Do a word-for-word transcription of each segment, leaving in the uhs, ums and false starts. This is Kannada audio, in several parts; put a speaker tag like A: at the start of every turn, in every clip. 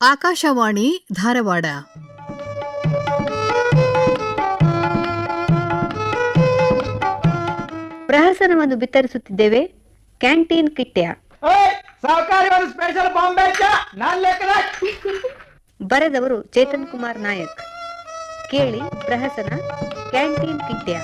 A: ಆಕಾಶವಾಣಿ ಧಾರವಾಡ.
B: ಪ್ರಹಸನವನ್ನು ಬಿತ್ತರಿಸುತ್ತಿದ್ದೇವೆ. ಕ್ಯಾಂಟೀನ್ ಕಿಟ್ಯ ಬರೆದವರು ಚೇತನ್ ಕುಮಾರ್ ನಾಯಕ್. ಕೇಳಿ ಪ್ರಹಸನ ಕ್ಯಾಂಟೀನ್ ಕಿಟ್ಯ.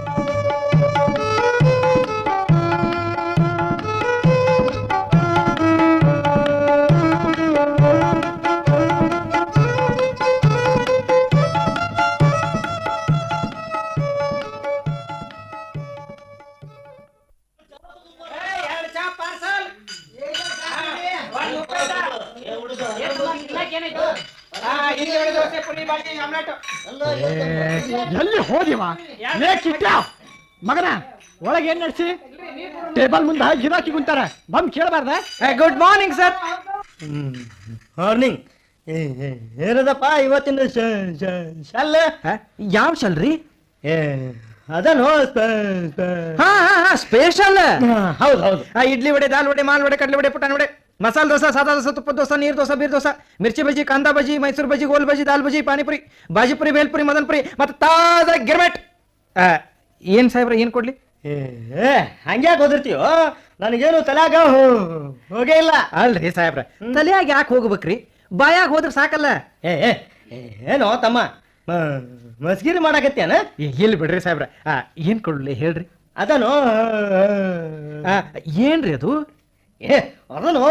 C: ಎಲ್ಲಿ ಹೋದಿವ ಮಗನ ಒಳಗೆ ಏನ್ ನಡೆಸಿ ಟೇಬಲ್ ಮುಂದೆ ಗಿರಾಕಿ ಕುಂತಾರ ಬಂದ್ ಕೇಳಬಾರ್ದ.
D: Good morning sir.
E: ಮಾರ್ನಿಂಗ್ ಏನದಪ್ಪ ಇವತ್ತಿನ ಶಲ್?
D: ಯಾವ ಶಲ್ರಿ?
E: ಅದನು
D: ಸ್ಪೆಷಲ್.
E: ಹೌದು ಹೌದು.
D: ಇಡ್ಲಿ ವಡೆ, ದಾಲ್ ವಡೆ, ಮಾಲ್ ವಡೆ, ಕಡಲೆ ವಡೆ, ಪುಟಾಣಿ ವಡೆ, ಮಸಾಲೆ ದೋಸೆ, ಸಾದಾ ದೋಸೆ, ತುಪ್ಪದ ದೋಸೆ, ನೀರು ದೋಸೆ, ಬೀರ್ ದೋಸೆ, ಮಿರ್ಚಿ ಬಜ್ಜಿ, ಕಾಂದಾ ಬಜ್ಜಿ, ಮೈಸೂರು ಬಜ್ಜಿ, ಗೋಲ್ ಬಜ್ಜಿ, ದಾಲ್ ಬಜ್ಜಿ, ಪಾನಿಪುರಿ, ಬಾಜಿಪುರಿ, ಬೇಲ್ಪುರಿ, ಮದನ್ಪುರಿ ಮತ್ತು ತಾಜಾ ಗಿರ್ಮೆಟ್. ಏನ್ ಸಾಹೇಬ್ರ ಏನ್ ಕೊಡ್ಲಿ?
E: ಏ ಹಂಗ್ಯಾಕೆ ಓದಿರ್ತೀಯೋ? ನನಗೇನು ತಲೆಯಾಗ ಹೋಗೇ ಇಲ್ಲ.
D: ಅಲ್ರಿ ಸಾಹೇಬ್ರ, ತಲೆಯಾಗ ಯಾಕೆ ಹೋಗ್ಬೇಕ್ರಿ? ಬಾಯಾಗ ಹೋದ್ರೆ ಸಾಕಲ್ಲ.
E: ಏ ಏನೋ ತಮ್ಮ ಮಸ್ಗಿರಿ ಮಾಡಾಕತ್ತೇನ?
D: ಎಲ್ಲಿ ಬಿಡ್ರಿ ಸಾಹೇಬ್ರ, ಏನ್ ಕೊಡ್ಲಿ ಹೇಳ್ರಿ?
E: ಅದನು
D: ಏನ್ರಿ ಅದು?
E: ಏ ಅದನು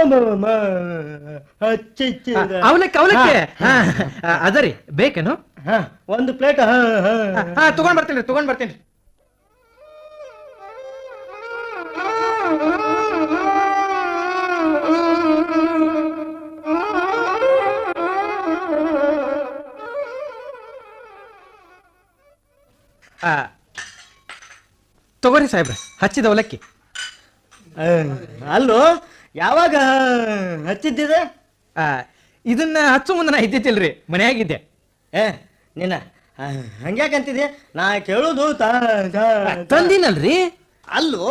D: ಅವಲಕ್ಕಿ ಅವಲಕ್ಕಿ ಅದರಿ ಬೇಕೇನು?
E: ಒಂದು ಪ್ಲೇಟ್
D: ಹಾ ತಗೊಂಡ್ ಬರ್ತೀನಿ ತಗೊಂಡ್ ಬರ್ತೀನಿ. ತಗೋರಿ ಸಾಹೇಬ್ರ ಹಚ್ಚಿದ ಅವಲಕ್ಕಿ.
E: ಅಲ್ಲೋ ಯಾವಾಗ ಹಚ್ಚಿದ್ದಿದೆ?
D: ಇದನ್ನ ಹಚ್ಚು ಮುಂದೆ ನಾ ಇದ್ದಿತ್ತಿಲ್ರಿ, ಮನೆಯಾಗಿದ್ದೆ.
E: ಏ ನಿನ್ನ ಹಂಗ್ಯಾಕಂತಿದೆ? ನಾ ಕೇಳುದು
D: ತಂದಿನಲ್ರಿ.
E: ಅಲ್ಲೋ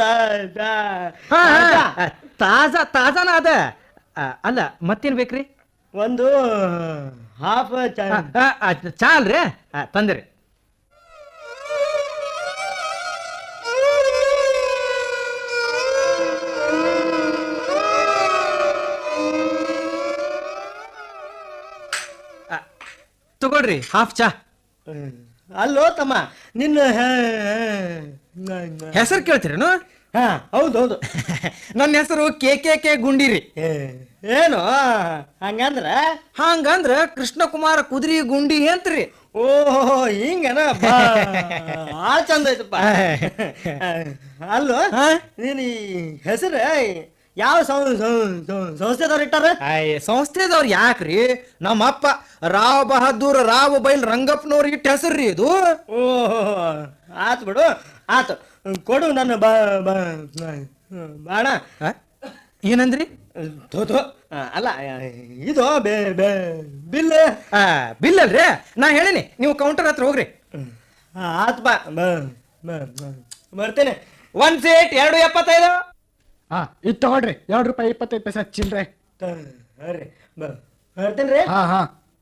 D: ತಾಜಾ ತಾಜಾನ ಅದ. ಅಲ್ಲ ಮತ್ತೇನ್ ಬೇಕ್ರಿ?
E: ಒಂದು ಹಾಫ್
D: ಚಾ ಅಲ್ರಿ, ತಂದಿರಿ. ತಗೊಳ್ರಿ ಹಾಫ್ ಚಾ.
E: ಅಲ್ಲೋ ತಮ್ಮ ನಿನ್ನ
D: ಹೆಸರು ಕೇಳ್ತೀರೇನು?
E: ಹಾ ಹೌದು ಹೌದು.
D: ನನ್ನ ಹೆಸರು ಕೆ ಕೆ ಕೆ ಗುಂಡಿರಿ.
E: ಏನು ಹಂಗಂದ್ರ?
D: ಹಂಗಂದ್ರ ಕೃಷ್ಣ ಕುಮಾರ ಕುದುರಿ ಗುಂಡಿ ಅಂತ್ರಿ.
E: ಓಹೋ ಹಿಂಗನ, ಭಾಳ ಚಂದ ಐತಪ್ಪ. ಅಲ್ಲೋ ನೀನು ಈ ಹೆಸರು ಯಾವ ಸಂಸ್ಥೆದವ್ರು ಇಟ್ಟಾರ?
D: ಸಂಸ್ಥೆದವ್ರು ಯಾಕ್ರಿ? ನಮ್ಮಪ್ಪ ರಾವ್ ಬಹದ್ದೂರ್ ರಾವ್ ಬೈಲ್ ರಂಗಪ್ಪನವ್ರು ಇಟ್ಟ ಹೆಸರ್ರಿ ಇದು.
E: ಓಹೋ ಆತು ಬಿಡು, ಆತು ಕೊಡು ನನ್ನ ಬಾ ಬಾಣ.
D: ಏನಂದ್ರಿ?
E: ಥೋಥೋ ಅಲ್ಲ ಇದು ಬಿಲ್.
D: ಬಿಲ್ ಅಲ್ರಿ, ನಾ ಹೇಳಿನಿ, ನೀವು ಕೌಂಟರ್ ಹತ್ರ ಹೋಗ್ರಿ.
E: ಆತ್ ಬಾ ಬರ್ತೇನೆ.
D: ಒಂದ್ ಸೀಟ್ ಎರಡು ಎಪ್ಪತ್ತೈದು.
C: ಹಾ ಇದು ತಗೊಳ್ರಿ, ಎರಡು ರೂಪಾಯಿ ಇಪ್ಪತ್ತೈದು ಪೈಸೆ ಚಿಲ್ರೆ.
E: ಬರ್ತೇನ್ರಿ.
C: ಹಾ ಹಾ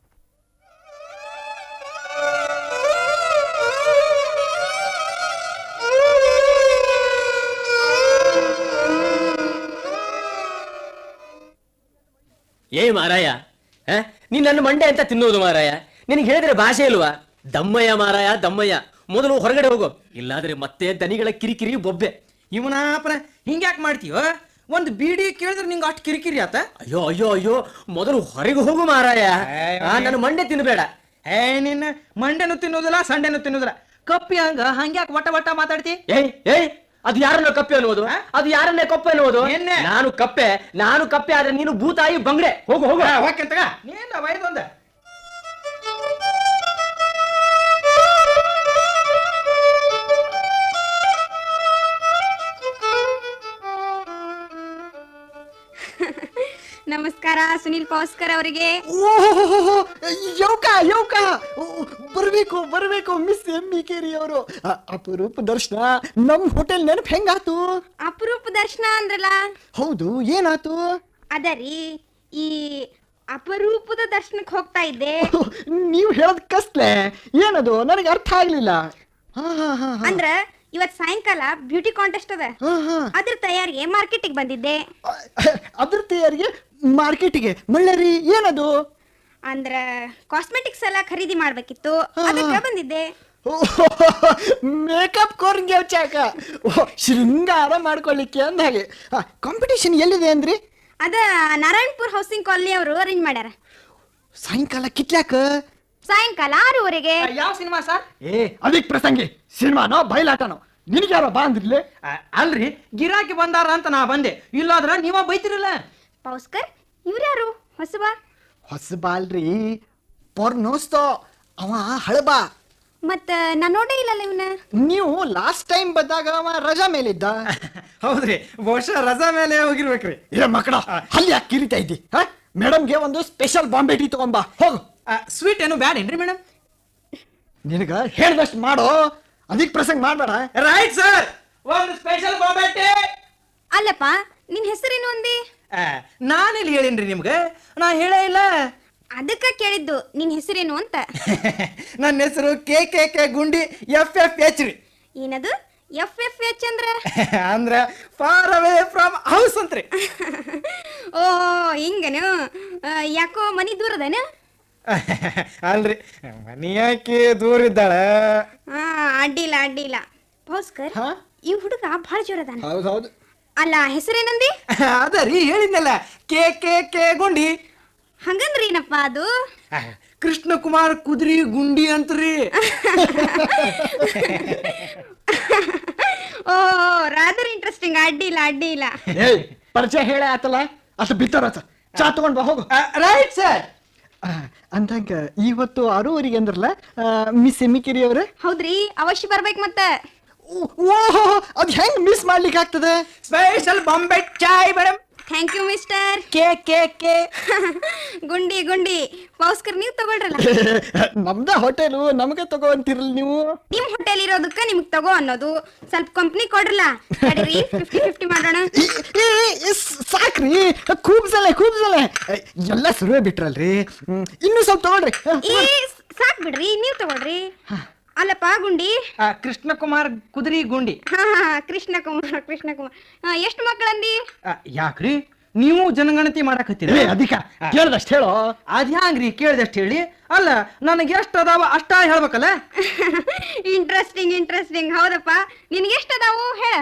F: ಏ ಮಾರಾಯ, ನೀನ್ ನನ್ನ ಮಂಡೆ ಅಂತ ತಿನ್ನೋದು ಮಾರಾಯ? ನಿನಗೆ ಹೇಳಿದ್ರೆ ಭಾಷೆ ಇಲ್ವಾ? ದಮ್ಮಯ್ಯ ಮಾರಾಯ ದಮ್ಮಯ್ಯ. ಮೊದಲು ಹೊರಗಡೆ ಹೋಗೋ, ಇಲ್ಲಾದ್ರೆ ಮತ್ತೆ ದನಿಗಳ ಕಿರಿಕಿರಿ ಬೊಬ್ಬೆ.
D: ಇವನಾಪನ ಹಿಂಗ್ಯಾಕ್ ಮಾಡ್ತೀವ? ಒಂದು ಬೀಡಿ ಕೇಳಿದ್ರೆ ನಿಂಗೆ ಅಷ್ಟು ಕಿರಿಕಿರಿ ಆತ?
F: ಅಯ್ಯೋ ಅಯ್ಯೋ ಅಯ್ಯೋ, ಮೊದಲು ಹೊರಗೆ ಹೋಗು ಮಾರಾಯ, ನನ್ನ ಮಂಡೆ ತಿನ್ಬೇಡ.
D: ಏ ನಿನ್ನ ಮಂಡೆನು ತಿನ್ನೋದಿಲ್ಲ, ಸಂಡೆನು ತಿನ್ನೋದಿಲ್ಲ. ಕಪ್ಪಿ ಹಂಗ ಹಂಗ್ಯಾಕ್ ವಟ ವಟ ಮಾತಾಡ್ತಿ?
F: ಏಯ್ ಏಯ್, ಅದು ಯಾರನ್ನ ಕಪ್ಪೆ ಅನ್ನುವುದು? ಅದು ಯಾರನ್ನೇ ಕಪ್ಪೆ ಅನ್ನುವುದು? ನಾನು ಕಪ್ಪೆ, ನಾನು ಕಪ್ಪೆ ಆದ್ರೆ ನೀನು ಭೂತಾಯಿ ಬಂಗ್ಡೆ. ಹೋಗು ಹೋಗು
D: ಹೋಗ್ಕಂತಗ ನೀನ್ ವೈದೊಂದ.
G: ನಮಸ್ಕಾರ ಸುನಿಲ್ ಪೌಸ್ಕರ್ ಅವರಿಗೆ.
C: ಯೌಕ ಯೌಕ ಬರ್ಬೇಕು ಬರ್ಬೇಕು ಮಿಸ್ ಎಮ್ಮಿ ಕೇರಿ ಅವರು. ಅಪರೂಪ ದರ್ಶನ, ನಮ್ ಹೋಟೆಲ್ ನೆನಪು ಹೆಂಗಾತು?
G: ಅಪರೂಪ ದರ್ಶನ ಅಂದ್ರಲ್ಲ.
C: ಹೌದು, ಏನಾತು?
G: ಅದರಿ ಈ ಅಪರೂಪದ ದರ್ಶನಕ್ಕೆ ಹೋಗ್ತಾ ಇದ್ದೆ.
C: ನೀವು ಹೇಳೋದ್ ಕಸ್ಲೆ ಏನದು ನನಗೆ ಅರ್ಥ ಆಗ್ಲಿಲ್ಲ. ಹಾ ಹಾ ಹಾ ಹಾ.
G: ಅಂದ್ರ ಇವತ್ ಸಾಯಂಕಾಲ ಬ್ಯೂಟಿ ಕಾಂಟೆಸ್ಟ್ ಅದ,
C: ಹಾ ಹಾ.
G: ಅದ್ರ ತಯಾರಿಗೆ ಮಾರ್ಕೆಟಿಗೆ ಬಂದಿದ್ದೆ.
C: ಅದ್ರ ತಯಾರಿಗೆ ಮಾರ್ಕೆಟಿಗೆ ಮಳ್ಳರಿ ಏನದು?
G: ಅಂದ್ರ ಕಾಸ್ಮೆಟಿಕ್ಸ್ ಎಲ್ಲ ಖರೀದಿ ಮಾಡ್ಬೇಕಿತ್ತು, ಅದಕ್ಕೆ ಬಂದಿದ್ದೆ.
C: ಮೇಕಪ್ ಕೋರ್ಗೆ ಚಾಕ ಶೃಂಗಾರ ಮಾಡ್ಕೊಳ್ಳಿಕ್ಕೆ ಅಂದ ಹಾಗೆ. ಕಾಂಪಿಟೇಷನ್ ಎಲ್ಲಿದೆ ಅಂದ್ರಿ?
G: ಅದ ನಾರಾಯಣಪುರ್ ಹೌಸಿಂಗ್ ಕಾಲನಿ ಅವರು ಅರೇಂಜ್ ಮಾಡ್ಯಾರ.
C: ಸಾಯಂಕಾಲ ಕಿತ್ಲಾಕ?
G: ಸಾಯಂಕಾಲ ಆರೂವರೆಗೆ.
D: ಯಾವ ಸಿನಿಮಾ ಸರ್?
C: ಏ ಅದಕ್ ಪ್ರಸಂಗಿ ಸಿನಿಮಾನೋ ಬಯಲಾಟನೋ ನಿನಗೆ ಯಾರೋ ಬಾ ಅಂದ್ರಿಲೆ?
D: ಅಲ್ರಿ, ಗಿರಾಕಿ ಬಂದಾರ ಅಂತ ನಾ ಬಂದೆ, ಇಲ್ಲಾದ್ರ ನೀವ ಬೈತಿರಲ್ಲ.
G: ಪೌಸ್ಕರ್ ಇವ್ರ್ಯಾರು ಹೊಸಬ?
C: ಹೊಸಬಾ ಅಲ್ರಿ, ಪೊರ್ನೋಸ್ತೋ ಅವ ಹಳಬಾ.
G: ಮತ್ತ ನಾ ನೋಡೇ ಇಲ್ಲಲ್ಲ ಇವನ.
C: ನೀವು ಲಾಸ್ಟ್ ಟೈಮ್ ಬಂದಾಗ ಅವ ರಜಾ ಮೇಲಿದ್ದ.
D: ಹೌದ್ರಿ, ಬಹುಶಃ ರಜಾ ಮೇಲೆ ಹೋಗಿರ್ಬೇಕ್ರಿ.
C: ಏ ಮಕ್ಕಳ ಅಲ್ಲಿ ಯಾಕೆ ಕಿರಿತಾ ಇದ್ದಿ? ಮೇಡಮ್ಗೆ ಒಂದು ಸ್ಪೆಷಲ್ ಬಾಂಬೆ ಟೀ ತಗೊಂಬಾ ಹೋಗು.
D: ಸ್ವೀಟ್ ಏನು ಬ್ಯಾಡ ಏನ್ರಿ ಮೇಡಮ್?
C: ನಿನಗ ಹೇಳ್ದಷ್ಟು ಮಾಡೋ, ಅದಕ್ಕೆ ಪ್ರಸಂಗ ಮಾಡ್ಬೇಡ.
D: ರೈಟ್ ಸರ್, ಒಂದು ಸ್ಪೆಷಲ್ ಬಾಂಬೆ ಟೀ.
G: ಅಲ್ಲಪ್ಪ ನಿನ್ ಹೆಸರೇನು ಅಂದಿ?
D: ನಾನೆಲ್ಲಿ ಹೇಳಿನ್ರಿ ನಿಮ್ಗೆ? ನಾ ಹೇಳೇ ಇಲ್ಲ.
G: ಅದಕ್ಕ ಕೇಳಿದ್ದು ನಿನ್ ಹೆಸರೇನು ಅಂತ.
D: ನನ್ನ ಹೆಸರು K K K Gundi F F H ರೀ.
G: ಏನದು ಎಫ್ ಎಫ್ ಎಚ್ ಅಂದ್ರ?
D: ಅಂದ್ರ ಫಾರ್ ಅವೇ ಫ್ರಮ್ ಹೌಸ್ ಅಂತ್ರಿ.
G: ಓ ಹಿಂಗನು? ಯಾಕೋ ಮನಿ ದೂರದನ?
D: ಅಲ್ರಿ, ಮನಿಯಾಕಿ ದೂರ ಇದ್ದಾಳ.
G: ಹಾ ಅಡ್ಡಿಲ್ಲ ಅಡ್ಡಿಲ್ಲ. ಭಾಸ್ಕರ್,
C: ಹಾ?
G: ಈ ಹುಡುಗ ಬಹಳ ಜೋರದಾನ.
C: ಹೌದೌದು.
G: ಅಲ್ಲ ಹೆಸರೇನಂದಿ?
D: ಅದ ರೀ ಹೇಳಿದ್ನಲ್ಲ, ಕೆ ಕೆ ಕೆ ಗುಂಡಿ.
G: ಹಂಗಂದ್ರಿ ಏನಪ್ಪ ಅದು?
D: ಕೃಷ್ಣ ಕುಮಾರ್ ಕುದ್ರಿ ಗುಂಡಿ ಅಂತ್ರಿ.
G: ಓ ರಾದರ್ ಇಂಟ್ರೆಸ್ಟಿಂಗ್. ಅಡ್ಡಿಲ್ಲ ಅಡ್ಡಿಲ್ಲ.
C: ಏಯ್ ಪರಿಚಯ ಹೇಳೇ ಆತಲ್ಲ, ಅಷ್ಟು ಬಿತ್ತಾರ ಚಾ ತಗೊಂಡ್ ಬಾ ಹೋಗು.
D: Right sir.
C: ಅಂದಂಗ ಇವತ್ತು ಆರೂವರೆಗೆ ಅಂದ್ರಲ್ಲ ಮಿಸ್ ಎಮ್ಮಿಕಿರಿ ಅವ್ರೆ?
G: ಹೌದ್ರಿ, ಅವಶ್ಯ ಬರ್ಬೇಕು ಮತ್ತ.
C: ಓಹೋ, ಅದ್ ಹೆಂಗ್ ಮಿಸ್ ಮಾಡ್ಲಿಕ್ಕೆ ಆಗ್ತದೆ?
D: Special Bombay chai madam.
G: Thank you mister.
D: K K K
G: Gundi Gundi. Bhaskar ನೀವು ತಗೊಳ್ರಲ್ಲ.
C: ನಮ್ದ ಹೋಟೆಲು, ನಮಗೆ ತಗೋಂತಿರಲ್ಲ ನೀವು.
G: ನಿಮ್ ಹೋಟೆಲ್ ಇರೋದಕ್ಕ ನಿಮ್ಗ್ ತಗೋ ಅನ್ನೋದು. ಸ್ವಲ್ಪ ಕಂಪ್ನಿ ಕೊಡ್ರಲ್ಲ. ತಡೀರಿ, ಫಿಫ್ಟಿ ಫಿಫ್ಟಿ ಮಾಡೋಣ.
C: ಈ- ಈ- ಈ ಸಾಕ್ರಿ, ಕೂಬ್ಸಲೆ ಕೂಬ್ಸಲೆ ಎಲ್ಲ ಸುರುವೆ ಬಿಟ್ರಲ್ರಿ. ಹ್ಮ್, ಇನ್ನೂ ಸ್ವಲ್ಪ ತಗೊಳ್ರಿ.
G: ಏ ಸಾಕ್ ಬಿಡ್ರಿ, ನೀವ್ ತಗೊಳ್ರಿ. ಅಲ್ಲಪ್ಪ ಗುಂಡಿ.
D: ಕೃಷ್ಣ ಕುಮಾರ್ ಕುದ್ರಿ ಗುಂಡಿ.
G: ಹಾ ಹಾ ಕೃಷ್ಣ ಕುಮಾರ್ ಕೃಷ್ಣ ಕುಮಾರ್. ಎಷ್ಟು ಮಕ್ಕಳಂದಿ?
D: ಆ, ಯಾಕ್ರಿ ನೀವು ಜನಗಣತಿ ಮಾಡಕತ್ತೀರಿ?
C: ಏ, ಅಧಿಕ ಕೇಳ್ದಷ್ಟು ಹೇಳೋ.
D: ಅದ್ಯಾಂಗ್ರಿ ಕೇಳ್ದಷ್ಟು ಹೇಳಿ? ಅಲ್ಲ, ನನಗೆ ಎಷ್ಟು ಅದಾವ ಅಷ್ಟ ಹೇಳ್ಬೇಕಲ್ಲ.
G: Interesting interesting. ಹೌದಪ್ಪ, ನಿನ್ಗೆ ಎಷ್ಟು ಅದಾವು ಹೇಳ.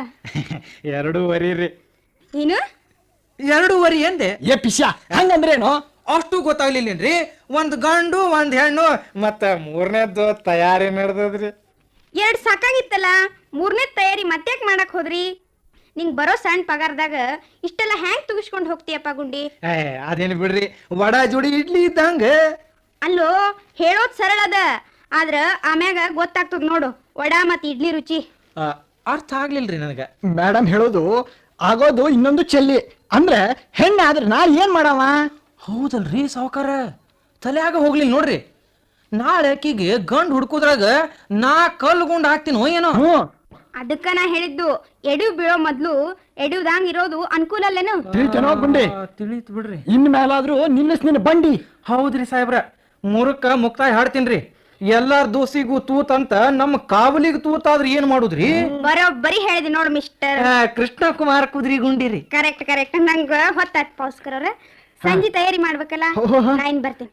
D: ಎರಡೂವರೆ ರೀ.
G: ಏನು
D: ಎರಡೂವರೆ ಎಂದೆ?
C: ಏ ಪಿಶ ಹಂಗಂದ್ರೇನು?
D: ಅಷ್ಟು ಗೊತ್ತಾಗ್ಲಿಲ್ಲೇನ್ರಿ? ಒಂದ್ ಗಂಡು ಒಂದ್ ಹೆಣ್ಣು ಮತ್ತ ಮೂರನೇದ್ದು ತಯಾರಿ ನಡೆದದ್ರಿ.
G: ಎರಡ್ ಸಾಕಾಗಿತ್ತಲ್ಲ, ಮೂರನೇ ತಯಾರಿ ಮತ್ತ್ಯಾಕ್ ಮಾಡಕ್ ಹೋದ್ರಿ? ನಿಂಗ್ ಬರೋ ಸಣ್ಣ ಪಗಾರದಾಗ ಇಷ್ಟೆಲ್ಲ ಹ್ಯಾಂಗ್ ತುಗಿಸ್ಕೊಂಡ್ ಹೋಗ್ತೀಯಪ್ಪ ಗುಂಡಿ?
D: ಏ ಅದೇನು ಬಿಡ್ರಿ, ವಡ ಜೋಡಿ ಇಡ್ಲಿ ಇದ್ದಂಗ.
G: ಅಲ್ಲೋ ಹೇಳೋದ್ ಸರಳ ಅದ, ಆದ್ರ ಆಮ್ಯಾಗ ಗೊತ್ತಾಗ್ತದ ನೋಡು ವಡ ಮತ್ ಇಡ್ಲಿ ರುಚಿ.
D: ಆ, ಅರ್ಥ ಆಗ್ಲಿಲ್ರಿ ನನಗ.
C: ಮೇಡಮ್ ಹೇಳೋದು ಆಗೋದು ಇನ್ನೊಂದು ಚೆಲ್ಲಿ. ಅಂದ್ರೆ ಹೆಣ್ಣಾದ್ರೆ ನಾ ಏನ್ ಮಾಡವ?
D: ಹೌದಲ್ರಿ ಸಾವುಕಾರ, ತಲೆಯಾಗ ಹೋಗ್ಲಿಲ್ಲ ನೋಡ್ರಿ. ನಾಳೆ ಆಕಿಗೆ ಗಂಡ್ ಹುಡ್ಕೋದ್ರಾಗ ನಾ ಕಲ್ಲು ಗುಂಡ್ ಹಾಕ್ತೀನೋ ಏನೋ.
C: ಹ್ಮ್,
G: ಅದಕ್ಕ ನಾ ಹೇಳಿದ್ದು, ಎಡು ಬೀಳೋ ಮೊದ್ಲು ಎಡುದಂಗ್ ಇರೋದು ಅನುಕೂಲ ಅಲ್ಲೇನು?
C: ತಿಳಿತೇನೋ ಗುಂಡಿ?
D: ತಿಳಿತ್ ಬಿಡ್ರಿ.
C: ಇನ್ ಮೇಲಾದ್ರೂ ನಿಲ್ಲಿಸ್ ನಿನ್ನ ಬಂಡಿ.
D: ಹೌದ್ರಿ ಸಾಹೇಬ್ರ, ಮೂರಕ್ಕ ಮುಕ್ತಾಯ ಹಾಡ್ತೀನ್ರಿ. ಎಲ್ಲಾರ ದೋಸಿಗೂ ತೂತ್ ಅಂತ ನಮ್ಮ ಕಾವಲಿಗೆ ತೂತಾದ್ರೆ ಏನ್ ಮಾಡುದ್ರಿ?
G: ಬರೋಬ್ಬರಿ ಹೇಳಿದೆ ನೋಡು ಮಿಸ್ಟರ್.
D: ಆ, ಕೃಷ್ಣ ಕುಮಾರ್ ಕುದ್ರಿ ಗುಂಡಿರಿ.
G: Correct correct. ನಂಗ ಹೊತ್ತಾತ್ ಭಾಸ್ಕರ್ ಅವ್ರ, ಸಂಜೆ ತಯಾರಿ ಮಾಡ್ಬೇಕಲ್ಲ, ನಾ ಇನ್ ಬರ್ತೇನೆ.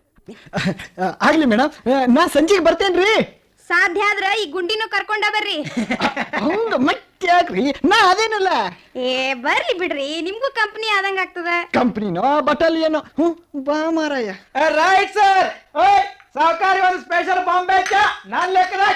C: ಆಗ್ಲಿ ಮೇಡಮ್, ನಾ ಸಂಜೆಗೆ ಬರ್ತೇನ್ರಿ.
G: ಸಾಧ್ಯ ಆದ್ರ ಈ ಗುಂಡಿನೂ ಕರ್ಕೊಂಡ ಬರ್ರಿ.
C: ಹಂಗ ಮತ್ತೆ ಯಾಕ್ರಿ, ನಾ ಅದೇನಲ್ಲ.
G: ಏ ಬರ್ಲಿ ಬಿಡ್ರಿ, ನಿಮ್ಗೂ ಕಂಪನಿ ಆದಂಗ ಆಗ್ತದ.
C: ಕಂಪ್ನಿನೋ ಬಟಾಲಿಯನೋ. ಹ್ಞೂ ಬಾ ಮಾರಾಯ.
D: Right sir. ಸಹಕಾರಿ ಒಂದು ಸ್ಪೆಷಲ್ ಬಾಂಬೆ ಚಾ ನಾನ್ ಲೆಕ್ಕದ.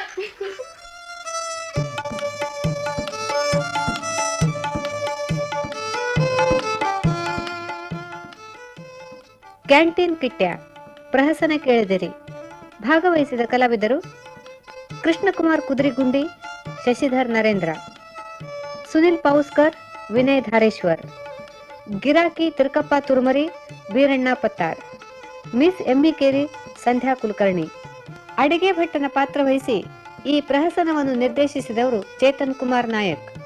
B: ಕ್ಯಾಂಟೀನ್ ಕಿಟ್ಯ ಪ್ರಹಸನ ಕೇಳಿದಿರಿ. ಭಾಗವಹಿಸಿದ ಕಲಾವಿದರು ಕೃಷ್ಣಕುಮಾರ್ ಕುದ್ರಿಗುಂಡಿ, ಶಶಿಧರ್ ನರೇಂದ್ರ, ಸುನಿಲ್ ಪೌಸ್ಕರ್, ವಿನಯ್ ಧಾರೇಶ್ವರ್, ಗಿರಾಕಿ ತಿರುಕಪ್ಪ ತುರ್ಮರಿ, ಬೀರಣ್ಣ ಪತ್ತಾರ್, ಮಿಸ್ ಎಮ್ಮಿಕೇರಿ, ಸಂಧ್ಯಾ ಕುಲಕರ್ಣಿ. ಅಡಿಗೆ ಭಟ್ಟನ ಪಾತ್ರ ವಹಿಸಿ ಈ ಪ್ರಹಸನವನ್ನು ನಿರ್ದೇಶಿಸಿದವರು ಚೇತನ್ ಕುಮಾರ್ ನಾಯಕ್.